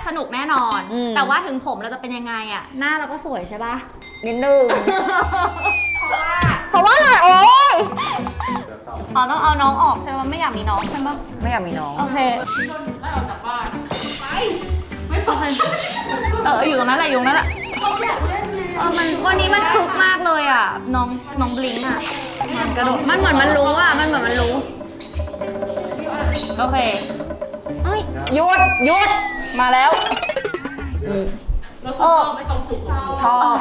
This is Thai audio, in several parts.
สนุกแน่นอน แต่ว่าถึงผมเราจะเป็นยังไงอะหน้าเราก็สวยใช่ปะนิดนึงเพราะว่าอะไรโอ๊ยอ๋อต้องเอาน้องออกใช่ไหมไม่อยากมีน้องใช่ไหมไม่อยากมีน้องโอเคไม่ออกจากบ้านไปไม่ไปอยู่ตรงนั้นแหละอยู่ตรงนั้นแหละมันวันนี้มันคึกมากเลยอ่ะน้องบลิงอ่ะมันกระโดดมันเหมือนมันรู้อ่ะมันเหมือนมันรู้โอเคหยุดมาแล้วชอบ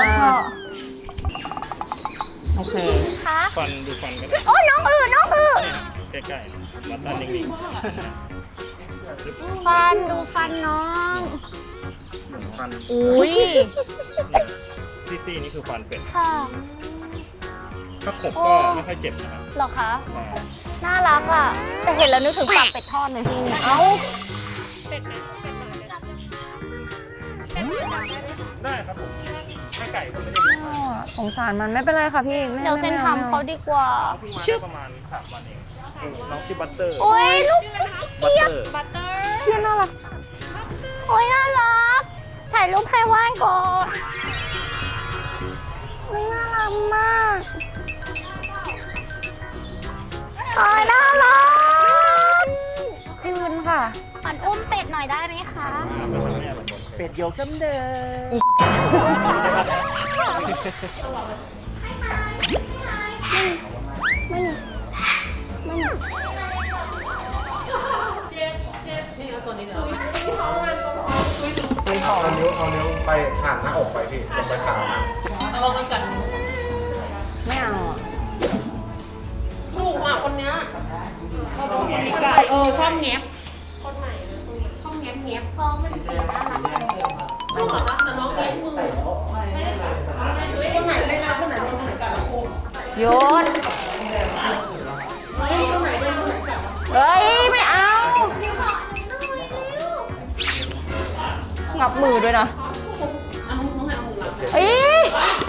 โอเคฟันดูฟันก็ได้โอ้น้องใกล้ๆวัดด้านนิ่งฟันดูฟันน้องฟันอุ้ยซี่นี่คือฟันเป็ดค่ะถ้าขบก็ไม่ค่อยเจ็บนะครับหรอคะน่ารักอ่ะแต่เห็นแล้วนึกถึงปากเป็ดทอดเลยพี่เอ้าได้ครับผมแม่ไก่ก็ไม่ได้สงสารมันไม่เป็นไรค่ะพี่เดี๋ยวเซนทำเขาดีกว่าชื่อประมาณ3 วันเองน้องชื่อบัตเตอร์โอ้ยลูกบัตเตอร์เชี่ยน่ารักโอ้ยน่ารักถ่ายรูปให้ว่านก่อนน่ารักมากน่ารักคืนค่ะขอนอุ้มเป็ดหน่อยได้ไหมคะเป็ดโยกซ้ำเดิเอานิ้วไปผ่านหน้าอกไปพี่ลงไปขาเราไปกัดไม่เอาถูกอ่ะคนเนี้ยเขาเป็นคนพิการชอบแงบคนไหนชอบแงบพอไม่ได้น่ารักไม่หรอแต่น้องแงบมือไม่ได้คนไหนเล่นนะคนไหนเล่นคนไหนกัดหยุดเฮ้ยไม่เอางับมือด้วยนะเฮ้ย